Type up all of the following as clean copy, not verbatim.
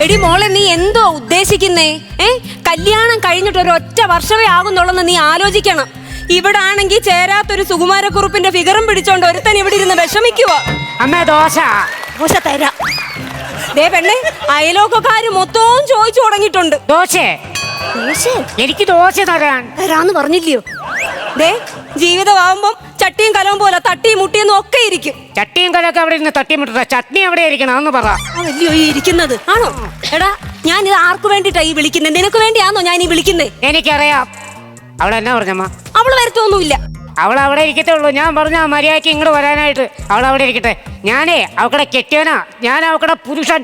എടി മോളെ, നീ എന്തോ ഉദ്ദേശിക്കുന്നേ? കല്യാണം കഴിഞ്ഞിട്ട് ഒരൊറ്റ വർഷമേ ആകുന്നുള്ളെന്ന് നീ ആലോചിക്കണം. ഇവിടെ ആണെങ്കിൽ ചേരാത്തൊരു സുകുമാരക്കുറുപ്പിന്റെ ഫിഗറും പിടിച്ചോണ്ട് ഒരുത്തൻ ഇവിടെ ഇരുന്ന് വിഷമിക്കുക. അമ്മ ദോശ ദോശ തരാം. ദേ പെണ്ണെ, അയലോക്കക്കാര് മൊത്തവും ചോദിച്ചു തുടങ്ങിയിട്ടുണ്ട്. ദോശ എനിക്ക് ദോശ തരാന്ന് പറഞ്ഞില്ലയോ? ദേ, ജീവിതമാവുമ്പം ചട്ടിയും കലവും പോലെ തട്ടിയും മുട്ടിയെന്നും ഒക്കെ ഇരിക്കും. ചട്ടിയും കലൊക്കെ അവിടെ ഇരുന്ന് തട്ടിമുട്ട, ചട്നി എവിടെ ഇരിക്കണം എന്ന് പറ. അതല്ലയോ ഈ ഇരിക്കുന്നത്? ആണോ? എടാ, ഞാൻ ഇത് ആർക്ക് വേണ്ടിട്ടാ ഈ വിളിക്കുന്നത്? നിനക്ക് വേണ്ടിയാണോ ഞാൻ ഈ വിളിക്കുന്നേ? എനിക്കറിയാം. അവളെന്നാ പറഞ്ഞമ്മ? അവള് വരുത്തൊന്നുമില്ല. അവൾ അവിടെ ഇരിക്കത്തേ ഉള്ളൂ. ഞാൻ പറഞ്ഞ മര്യാദയ്ക്ക് ഇങ്ങോട്ട് വരാനായിട്ട്. അവൾ അവിടെ ഇരിക്കട്ടെ. ഞാനേ അവക്കടെ കെട്ടിയനാ. ഞാൻ അവക്കടെ പുരുഷൻ.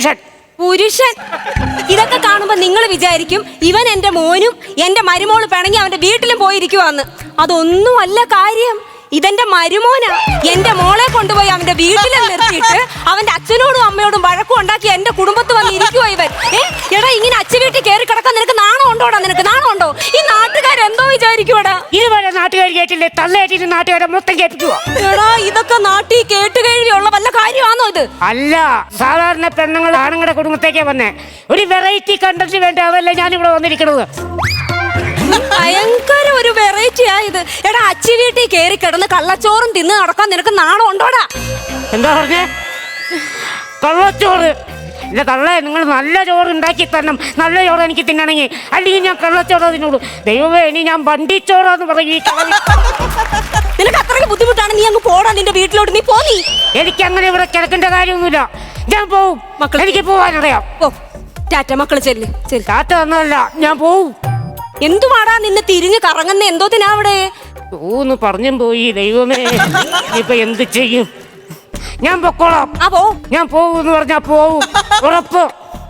ഇതൊക്കെ കാണുമ്പോ നിങ്ങൾ വിചാരിക്കും ഇവൻ എന്റെ മോനും എന്റെ മരുമോള് പിണങ്ങി അവന്റെ വീട്ടിലും പോയിരിക്കുവാന്ന്. അതൊന്നും അല്ല കാര്യം. ഇതെന്റെ മരുമോനാ. എന്റെ മോളെ കൊണ്ടുപോയി അവന്റെ വീട്ടിൽ നിർത്തിയിട്ട് അവന്റെ അച്ഛനോടും അമ്മയോടും വഴക്കും ഉണ്ടാക്കി എന്റെ കുടുംബത്ത് വന്ന് ഇരിക്കുവോ ഇവൻ? എടാ, ഇങ്ങനെ അച്ഛൻ വീട്ടിൽ കയറി കിടക്കാൻ നിനക്ക് നാണം ഉണ്ടോടാ? നിനക്ക് നാണം ഉണ്ടോ? ഈ നാട്ടുകാരെന്തോ വിചാരിക്കുവാടാ? ഇതുവരെ നാട്ടുകാർ കേട്ടില്ലേ? തള്ളേറ്റിട്ട് നാട്ടുകാരെ മൊത്തം കേൾപ്പിക്കുവോ? എടാ, ഇതൊക്കെ നാട്ടിൽ കേട്ടുകഴിയുള്ള വല്ല കാര്യമാണോ ഇത്? അല്ല, സാധാരണ പെണ്ണുങ്ങൾ ആണുങ്ങളുടെ കുടുംബത്തേക്കേ വന്നേ. ഒരു വെറൈറ്റി കണ്ടന്റ് വേണ്ട, അതല്ലേ ഞാനിവിടെ വന്നിരിക്കണത്. ഭയങ്കര ഒരു വെറൈറ്റി ആയത്. എടാ, അച്ചി വീട്ടിൽ കയറി കിടന്ന് കള്ളച്ചോറും തിന്ന് നടക്കാൻ നിനക്ക് നാണം ഉണ്ടോടാ? എന്താ പറഞ്ഞേ? കള്ളച്ചോറ്? എന്റെ തള്ളേ, നിങ്ങൾ നല്ല ചോറ് ഉണ്ടാക്കി തരണം. നല്ല ചോറ് എനിക്ക് തിന്നണമെങ്കിൽ. അല്ലെങ്കിൽ ഞാൻ കള്ളച്ചോറ് തിന്നോളൂ. ദൈവമേ, ഇനി ഞാൻ വണ്ടിച്ചോറാന്ന് പറയും. നിനക്ക് അത്രയ്ക്ക് ബുദ്ധിമുട്ടാണ്, നീ അങ്ങ് പോടാ നിന്റെ വീട്ടിലോട്ട്. നീ പോനീ. എനിക്ക് അങ്ങനെ ഇവിടെ കിടക്കേണ്ട കാര്യമൊന്നുമില്ല. ഞാൻ പോവും. എനിക്ക് പോവാനറിയാം. ടാറ്റ മക്കള്, ചെല്ല്. ടാറ്റ തന്നതല്ല, ഞാൻ പോവും. എന്തുവാടാ നിന്ന് തിരിഞ്ഞ് കറങ്ങുന്ന? എന്തോത്തിനാ അവിടെ? ഊന്ന് പറഞ്ഞും പോയി. ദൈവമേ, ഇപ്പൊ എന്ത് ചെയ്യും? ഞാൻ പൊക്കോളാം. ഞാൻ പോവൂന്ന് പറഞ്ഞാ പോവും, ഉറപ്പ്.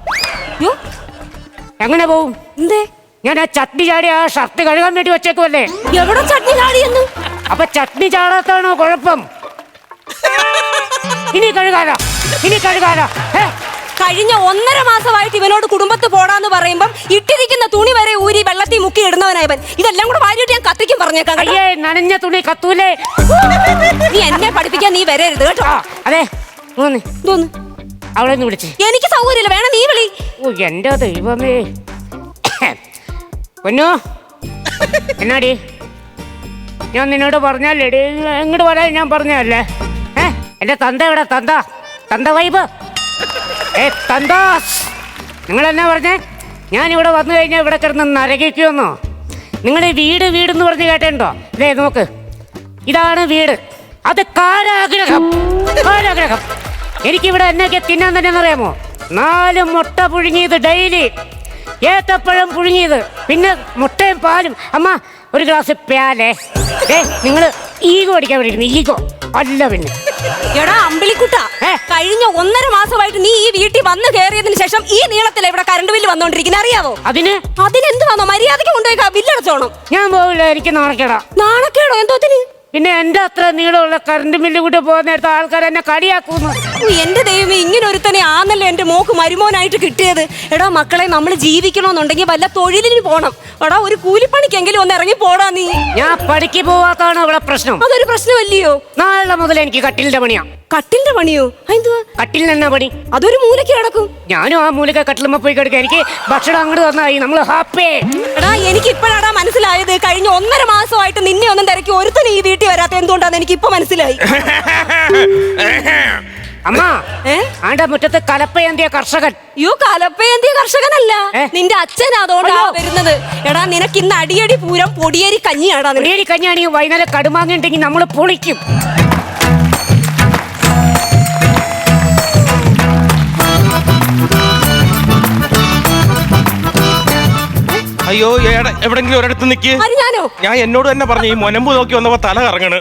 എങ്ങനെ പോവും? ഞാൻ ആ ചട്നി ചാടി ആ ഷർട്ട് കഴുകാൻ വേണ്ടി വെച്ചേക്കുമല്ലേ. എവിടെ ചട്നി ചാടിയെന്ന്? അപ്പൊ ചട്നി ചാടാത്താണോ കുഴപ്പം? ഇനി കഴുകാലോ. കഴിഞ്ഞ 1.5 മാസമായിട്ട് ഇവനോട് കുടുംബത്ത് പോടാന്ന് പറയുമ്പം ഇട്ടിരിക്കുന്ന തുണി വരെ ഊരി വെള്ളത്തിൽ മുക്കി ഇടുന്നവനായവൻ. ഇതെല്ലാം കൂടെ വാരിയിട്ട് ഞാൻ കത്തിക്കും പറഞ്ഞേക്കാം. അയ്യേ, നനഞ്ഞ തുണി കത്തൂലേ. നീ എന്നെ പഠിപ്പിക്കാൻ നീ വരരുത് കേട്ടോ. അതെ, അവളെ വിളിച്ച്. എനിക്ക് സൗകര്യമില്ല, വേണം നീ വിളി. ഓ എന്റെ ദൈവമേ. പൊന്നോ, എന്നാടി ഞാൻ നിന്നോട് പറഞ്ഞല്ലേ ഇങ്ങോട്ട് വരാൻ? ഞാൻ പറഞ്ഞല്ലേ. എന്റെ തന്ത എവിടെ? തന്ത വൈബ്. തന്താസ്, നിങ്ങൾ എന്നാ പറഞ്ഞേ? ഞാനിവിടെ വന്നു കഴിഞ്ഞാൽ ഇവിടെ കിടന്ന് നരകിക്കുമെന്നോ? നിങ്ങൾ വീട് എന്ന് പറഞ്ഞ് കേട്ടോ? ഇതേ നോക്ക്, ഇതാണ് വീട്. അത് കാരാഗ്രഹം. എനിക്കിവിടെ എന്നൊക്കെ തിന്നാൻ തന്നെ അറിയാമോ? 4 മുട്ട പുഴുങ്ങിയത് ഡെയിലി, ഏത്തപ്പഴം പുഴുങ്ങിയത്, പിന്നെ മുട്ടയും പാലും. അമ്മ ഒരു ഗ്ലാസ് പ്യാലേ. നിങ്ങൾ ഈഗോ അടിക്കാൻ വേണ്ടിയിരുന്നു. ഈഗോ അല്ല പിന്നെ. എടാ അമ്പിളിക്കുട്ട, കഴിഞ്ഞ 1.5 മാസമായിട്ട് നീ ഈ വീട്ടിൽ വന്ന് കയറിയതിനു ശേഷം ഈ നീളത്തിലെ ഇവിടെ കറണ്ട് ബില്ല് വന്നോണ്ടിരിക്കുന്നത് അറിയാവോ? അതിനെന്ത് വന്നോ? മര്യാദയ്ക്ക് കൊണ്ടുപോയി ബില്ലടച്ചോണം. ഞാൻ പോവില്ല, എനിക്ക് നാണക്കേടാ. നാണക്കേടോ? എന്തോത്തിന്? പിന്നെ എന്റെ അത്ര നീളമുള്ള കറണ്ട് ബില്ല് കൂടെ പോകുന്ന നേരത്തെ ആൾക്കാർ എന്നെ കളിയാക്കുന്നു. എന്റെ ദൈവമേ, ഇങ്ങനെ ഒരുത്തനെ ആന്നല്ലോ എന്റെ മോക്ക് മരുമോനായിട്ട് കിട്ടിയത്. എടാ മക്കളെ, നമ്മൾ ജീവിക്കണമെന്നുണ്ടെങ്കിൽ വല്ല തൊഴിലിന് പോണം. എടാ, ഒരു കൂലിപ്പണിക്കെങ്കിലും ഒന്ന് ഇറങ്ങി പോടാ നീ. ഞാൻ പണിക്ക് പോവാത്താണോ ഇവിടെ പ്രശ്നം? അതൊരു പ്രശ്നമല്ലയോ? നാളെ മുതൽ എനിക്ക് കട്ടിലിന്റെ പണിയാ. കട്ടിലിന്റെ പണിയോ? കട്ടിലിന് എന്നാ പണി? അതൊരു മൂലയ്ക്ക് കിടക്കും. ഞാനും ആ മൂലക്ക കട്ടിലുമ്പോ പോയി കിടക്കുക. എനിക്ക് ഭക്ഷണം അങ്ങോട്ട് തന്നായി, നമ്മൾ ഹാപ്പി. എടാ, എനിക്ക് ഇപ്പോഴാടാ മനസ്സിലായത്. കഴിഞ്ഞ 1.5 മാസമായിട്ട് നിന്നെ ഒന്നും തിരക്കി ഒരുത്തന് ഈ വീട്ടിൽ വരാത്ത എന്തുകൊണ്ടാന്ന് എനിക്ക് ഇപ്പൊ മനസ്സിലായി. അമ്മ, ആണ്ട മുറ്റത്ത് കലപ്പയേന്തിയ കർഷകൻ. കലപ്പയേന്തിയ കർഷകനല്ല, നിന്റെ അച്ഛൻ. അതുകൊണ്ടാ വരുന്നത്. എടാ, നിനക്ക് ഇന്ന് അടിയടി പൂരം പൊടിയേരി കഞ്ഞിയാടാ. പൊടിയേരി കഞ്ഞിയാണെങ്കിൽ വൈകുന്നേരം കടുമാങ്ങുണ്ടെങ്കിൽ നമ്മൾ പൊളിക്കും. അയ്യോ, എവിടെങ്കിലും ഒരിടത്ത് നിക്ക്. ഞാൻ എന്നോട് തന്നെ പറഞ്ഞു, ഈ മൊനമ്പ് നോക്കി വന്നപ്പോ തല കറങ്ങണ്.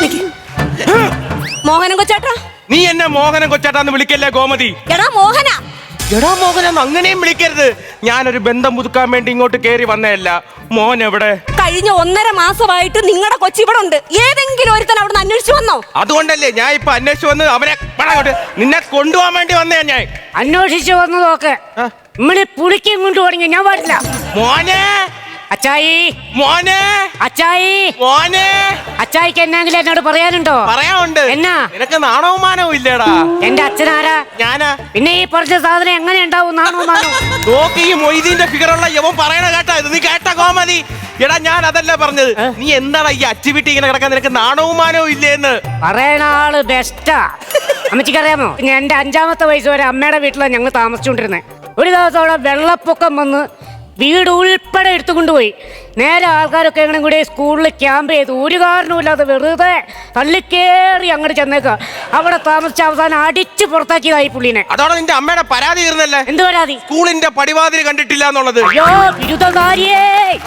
മോഹനം കൊച്ചാട്ടാ. നീ എന്നെ മോഹനം കൊച്ചാട്ടാന്ന് വിളിക്കല്ലേ ഗോമതി. എടാ മോഹന, അങ്ങനെയും വിളിക്കരുത്. ഞാനൊരു ബന്ധം പുതുക്കാൻ വേണ്ടി ഇങ്ങോട്ട് കേറി വന്നതല്ല. മോൻ എവിടെ? കഴിഞ്ഞ 1.5 മാസമായിട്ട് നിങ്ങളുടെ കൊച്ചി ഇവിടെ ഉണ്ട്. ഏതെങ്കിലും ഒരുത്തൻ അവിടെ അന്വേഷിച്ചു വന്നോ? അതുകൊണ്ടല്ലേ ഞാൻ ഇപ്പൊ അന്വേഷിച്ചു വന്ന് അവനെ നിന്നെ കൊണ്ടുപോകാൻ വേണ്ടി വന്നേ. ഞാൻ അന്വേഷിച്ചു വന്നതൊക്കെ നമ്മളെ പുളിക്കും കൊണ്ട് തുടങ്ങി. ഞാൻ പാടില്ല മോനെ. അച്ചായി മോനെ അച്ചായി മോനെ അച്ചായിക്ക് എന്നെങ്കിലും എന്നോട് പറയാനുണ്ടോ? പറയാനുണ്ട്. എന്നാ? നിനക്ക് നാണവും മാനവും ഇല്ലേടാ? എന്റെ അച്ഛനാരാ? ഞാനാ. പിന്നെ ഈ പറഞ്ഞ സാധനം എങ്ങനെ ഉണ്ടാവും? നാണോ മാനോ? നോക്ക്, ഈ മൊയ്തീന്റെ ഫിഗറുള്ള യവൻ പറയണ കേട്ടാ ഇത്? നീ കേട്ട കോമതി? എടാ ഞാൻ അതല്ല പറഞ്ഞത്. നീ എന്താണ് ഈ അച്ചുവിട്ടി ഇങ്ങനെ കിടക്കാൻ? നിനക്ക് നാണവും മാനവും ഇല്ലേന്ന് പറയണ ആള് ബെസ്റ്റാ. അമ്മച്ചിക്കറിയാമോ, ഞാൻ എന്റെ 5-ാമത്തെ വയസ്സ് വരെ അമ്മയുടെ വീട്ടിലാണ് ഞങ്ങൾ താമസിച്ചുകൊണ്ടിരുന്നത്. ഒരു ദിവസം അവിടെ വെള്ളപ്പൊക്കം വന്ന് വീട് ഉൾപ്പെടെ എടുത്തുകൊണ്ടുപോയി. നേരെ ആൾക്കാരൊക്കെ എങ്ങനെ കൂടി സ്കൂളിൽ ക്യാമ്പ് ചെയ്തു. ഒരു കാരണവുമില്ലാതെ വെറുതെ തള്ളിക്കേറി അങ്ങോട്ട് ചെന്നേക്ക. അവിടെ താമസിച്ച അവസാനം അടിച്ച് പുറത്താക്കിയതായി പുള്ളിനെ. അതോടെ നിന്റെ അമ്മയുടെ പരാതി തീർന്നല്ലേ? എന്ത് പരാതി? സ്കൂളിന്റെ പടിവാതിൽ കണ്ടിട്ടില്ല എന്നുള്ളത്. അയ്യോ ബിരുദകാരിയേ.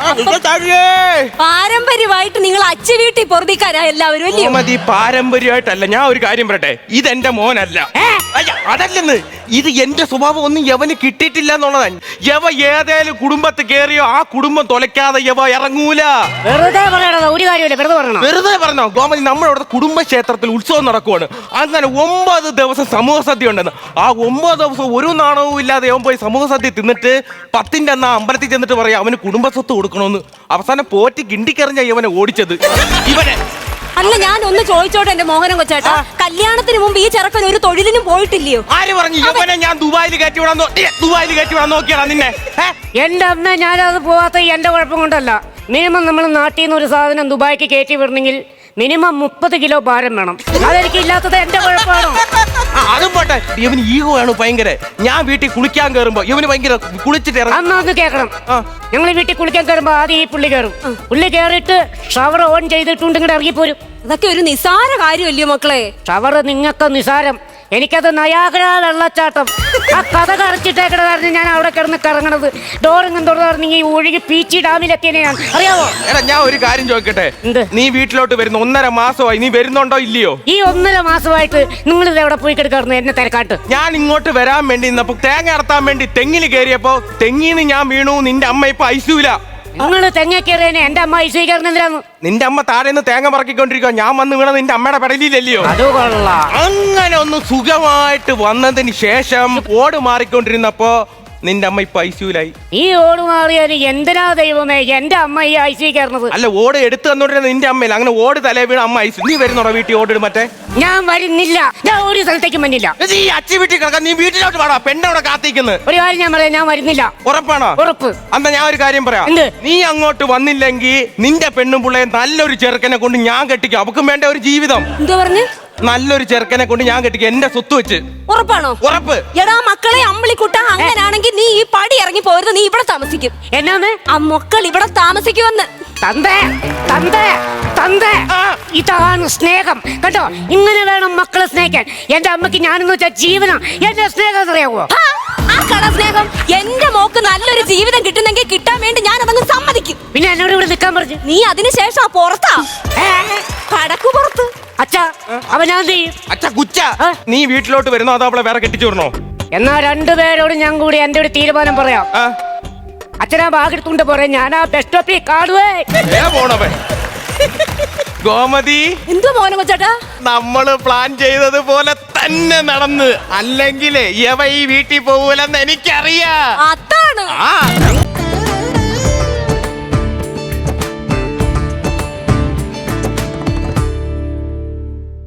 പാരമ്പര്യമായിട്ട് നിങ്ങൾ അച്ഛ വീട്ടിൽ പൊറുതിക്കാരാ എല്ലാവരും അല്ലയോ? മതി, പാരമ്പര്യമായിട്ടല്ല. ഞാൻ ഒരു കാര്യം പറയട്ടെ, ഇതെന്റെ മോനല്ല. അയ്യ, അതല്ലെന്ന്. ഇത് എന്റെ സ്വഭാവം ഒന്നും യവന് കിട്ടിയിട്ടില്ല എന്നുള്ളതാണ്. യവ ഏതേലും കുടുംബത്ത് കേറിയോ ആ കുടുംബം തൊലയ്ക്കാതെ യവ ഇറങ്ങൂല. വെറുതെ പറയണത് ഒരു കാര്യമില്ല, വെറുതെ പറയണം. വെറുതെ പറഞ്ഞോ ഗോമതി? നമ്മുടെ അവിടെ കുടുംബക്ഷേത്രത്തിൽ ഉത്സവം നടക്കുവാണ്. അങ്ങനെ 9 ദിവസം സമൂഹ സദ്യ ഉണ്ടെന്ന്. ആ 9 ദിവസം ഒരു നാണവും ഇല്ലാതെ അവൻ പോയി സമൂഹ സദ്യ തിന്നിട്ട് 10ന്റെ അന്ന് അമ്പലത്തിൽ ചെന്നിട്ട് പറയാം അവന് കുടുംബസ്വത്ത് കൊടുക്കണമെന്ന്. അവസാനം പോറ്റി കിണ്ടിക്കെറിഞ്ഞ ഇവനെ ഓടിച്ചത് ഇവനെ. അല്ല, ഞാൻ ഒന്ന് ചോദിച്ചോട്ടെ എന്റെ മോഹനം കൊച്ചേട്ടാ, കല്യാണത്തിന് മുമ്പ് ഈ ചെറുക്കൻ ഒരു തൊഴിലിനും പോയിട്ടില്ലയോ? ആര് പറഞ്ഞു ഇവനെ ഞാൻ ദുബായിൽ കയറ്റി വിടാൻ നോക്കിയാടാ നിന്നെ? എന്റെ അമ്മ, ഞാനത് പോവാത്ത എന്റെ കുഴപ്പം കൊണ്ടല്ല. മിനിമം നമ്മൾ നാട്ടിൽ നിന്ന് ഒരു സാധനം ദുബായിക്ക് കയറ്റി വിടണമെങ്കിൽ മിനിമം 30 കിലോ ഭാരം വേണം. അതെനിക്ക് ഇല്ലാത്തത് എന്റെ കുഴപ്പമാണോ? അതും പോട്ടെ, ഇവന് ഈഗോ ആണ് ഭയങ്കര. ഞാൻ വീട്ടിൽ കുളിക്കാൻ കയറുമ്പോ ഇവന് ഭയങ്കര കുളിച്ചിട്ട് അമ്മ ഒന്ന് കേൾക്കണം. ഞങ്ങൾ വീട്ടിൽ കുളിക്കാൻ കയറുമ്പോ ആദ്യം ഈ പുള്ളി കയറും. പുള്ളി കയറിയിട്ട് ഷവർ ഓൺ ചെയ്തിട്ടുണ്ട് ഇങ്ങോട്ട് ഇറങ്ങിപ്പോരും. അതൊക്കെ ഒരു നിസാര കാര്യമല്ലയോ മക്കളെ? ഷവർ നിങ്ങൾക്ക് നിസാരം, എനിക്കത് നയാഗ്ര വെള്ളച്ചാട്ടം. ആ കഥ കറച്ചിട്ടേക്കണ കാരണം ഞാൻ അവിടെ കിടന്ന് കറങ്ങണത്. ഡോറിങ്ങും തുറന്നിറങ്ങി ഒഴുകി പീച്ചി ഡാമിലെത്തിയനെ ഞാൻ, അറിയാവോ? എടാ ഞാൻ ഒരു കാര്യം ചോദിക്കട്ടെ, എന്ത്? നീ വീട്ടിലോട്ട് വരുന്ന 1.5 മാസമായി. നീ വരുന്നുണ്ടോ ഇല്ലയോ? ഈ 1.5 മാസമായിട്ട് നിങ്ങൾ ഇത് എവിടെ പോയി കിടക്കാറുണ്ട് എന്നെ തിരക്കാട്ട്? ഞാൻ ഇങ്ങോട്ട് വരാൻ വേണ്ടി നിന്നപ്പോ തേങ്ങ അടത്താൻ വേണ്ടി തെങ്ങിൽ കയറിയപ്പോ തെങ്ങിന്ന് ഞാൻ വീണു. നിന്റെ അമ്മ ഇപ്പൊ ഐസിയൂല. നിങ്ങൾ തെങ്ങ കയറിയനെ എന്റെ അമ്മ ഐശ്വര്യക്കാരൻ എന്തിനാന്ന്? നിന്റെ അമ്മ താഴെ നിന്ന് തേങ്ങ പറക്കിക്കൊണ്ടിരിക്കുക. ഞാൻ വന്ന് വീണ നിന്റെ അമ്മയുടെ പെടലില്ലല്ലയോ? അത് കൊള്ളാം. അങ്ങനെ ഒന്ന് സുഖമായിട്ട് വന്നതിന് ശേഷം ഓട് മാറിക്കൊണ്ടിരുന്നപ്പോ നിന്റെ അമ്മ ഇപ്പൊ ഐസിയൂലായി. ഈ ഓട് മാറിയാല് എന്തിനാ ദൈവമേ എന്റെ അമ്മ ഈ ഐശ്വര്യ കയറുന്നത്? അല്ല, ഓട് എടുത്തു തന്നോണ്ടിരുന്ന നിന്റെ അമ്മയില്ല. അങ്ങനെ ഓട് തലേ വീണ അമ്മ ഐസി. നീ വരുന്നോടാ വീട്ടിൽ ഓടിടും? മറ്റേ ഞാൻ വരുന്നില്ല, ഞാൻ ഒരു സ്ഥലത്തേക്കും വന്നില്ല. ഈ അച്ചി വീട്ടിൽ കിടക്കാൻ നീ വീട്ടിലോട്ട് പാടാ. പെണ്ണവിടെ കാത്തിക്കുന്നത്. ഒരു കാര്യം ഞാൻ പറയാം, ഞാൻ വരുന്നില്ല. ഉറപ്പാണോ? ഉറപ്പ്. അന്നാ ഞാൻ ഒരു കാര്യം പറയാം. എന്ത്? നീ അങ്ങോട്ട് വന്നില്ലെങ്കിൽ നിന്റെ പെണ്ണും പിള്ളയെ നല്ലൊരു ചെറുക്കനെ കൊണ്ട് ഞാൻ കെട്ടിക്കും. അവക്കും വേണ്ട ഒരു ജീവിതം. എന്താ പറഞ്ഞു? നല്ലൊരു ചെറുക്കനെ കൊണ്ട് ഞാൻ കെട്ടിക്കും, എന്റെ സ്വത്ത് വെച്ച്. ഉറപ്പാണോ? ഉറപ്പ്. എടാ മക്കളെ അമ്പിളിക്കുട്ട, അങ്ങനാണെങ്കിൽ നീ ഈ പടി ഇറങ്ങി പോരുത്. നീ ഇവിടെ താമസിക്കും. എന്നാന്ന്? ആ മക്കൾ ഇവിടെ താമസിക്കുമെന്ന്. തന്തേ തന്തേ തന്തേ, ഇതാണ് സ്നേഹം കേട്ടോ. ഇങ്ങനെ വേണം മക്കളെ സ്നേഹിക്കാൻ. എന്റെ അമ്മക്ക് ഞാനെന്ന് വെച്ചാൽ ജീവനാ. എന്റെ സ്നേഹം അറിയാവോ? ആ കട സ്നേഹം. എന്റെ മോക്ക് നല്ലൊരു ജീവിതം കിട്ടുന്നെങ്കിൽ കിട്ടാൻ വേണ്ടി ഞാൻ അതങ്ങ് സമ്മതിക്കും. പിന്നെ എന്നോട് ഇവിടെ നിൽക്കാൻ പറഞ്ഞു. നീ അതിനുശേഷം ആ പുറത്താ, കടക്കു പുറത്ത്. അച്ഛാ, അവൻ ഞാൻ ചെയ്യും. അച്ഛ കുച്ച, നീ വീട്ടിലോട്ട് വരുന്നോ അതോ അവളെ വേറെ കെട്ടിച്ചു വിടണോ? എന്നാ രണ്ടുപേരോടും ഞാൻ കൂടി എന്റെ ഒരു തീരുമാനം പറയാം. അച്ഛനാ ബാഗെടുത്തുകൊണ്ട് പറയാം, ഞാൻ ആ ബസ് സ്റ്റോപ്പിൽ കാണുവേ. പോണവൻ ഗോമതി, എന്തോ മോനെ കൊച്ചേട്ടാ, നമ്മള് പ്ലാൻ ചെയ്തത് പോലെ തന്നെ നടന്ന്. അല്ലെങ്കിൽ യവ ഈ വീട്ടിൽ പോകൂലെന്ന് എനിക്കറിയാം. അതാണ്. ആ